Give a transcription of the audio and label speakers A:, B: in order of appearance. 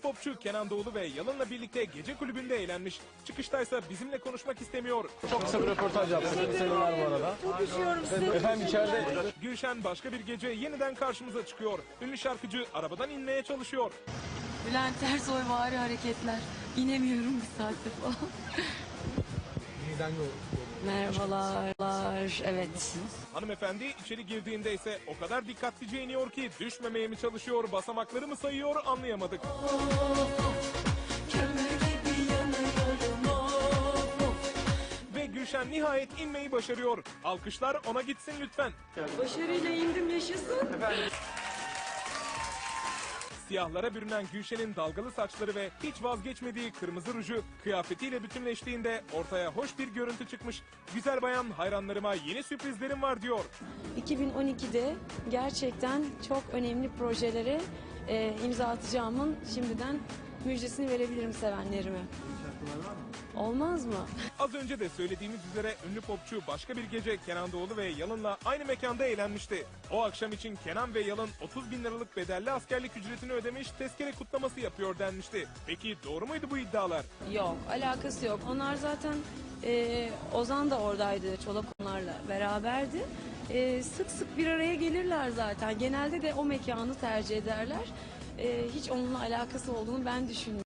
A: popçu Kenan Doğulu ve Yalın'la birlikte gece kulübünde eğlenmiş. Çıkıştaysa bizimle konuşmak istemiyor.
B: Çok kısa bir röportaj yaptık. Selamlar bu arada.
C: Çok üşüyorum size.
B: Efendim içeride.
A: Gülşen başka bir gece yeniden karşımıza çıkıyor. Ünlü şarkıcı arabadan inmeye çalışıyor.
C: Bülent Ersoy vari hareketler. İnemiyorum bir saattir falan. Merhabalar. Evet.
A: Hanımefendi içeri girdiğinde ise o kadar dikkatlice iniyor ki düşmemeye mi çalışıyor, basamakları mı sayıyor anlayamadık. Ve Gülşen nihayet inmeyi başarıyor. Alkışlar ona gitsin lütfen.
C: Başarıyla indim, yaşasın.
A: Siyahlara bürünen Gülşen'in dalgalı saçları ve hiç vazgeçmediği kırmızı ruju kıyafetiyle bütünleştiğinde ortaya hoş bir görüntü çıkmış. Güzel bayan, hayranlarıma yeni sürprizlerim var diyor.
C: 2012'de gerçekten çok önemli projelere imza atacağımın şimdiden müjdesini verebilirim sevenlerime. Olmaz mı?
A: Az önce de söylediğimiz üzere ünlü popçu başka bir gece Kenan Doğulu ve Yalın'la aynı mekanda eğlenmişti. O akşam için Kenan ve Yalın 30 bin liralık bedelli askerlik ücretini ödemiş, tezkere kutlaması yapıyor denmişti. Peki doğru muydu bu iddialar?
C: Yok, alakası yok. Onlar zaten Ozan da oradaydı, Çolak onlarla beraberdi. Sık sık bir araya gelirler zaten. Genelde de o mekanı tercih ederler. Hiç onunla alakası olduğunu ben düşünmüyorum.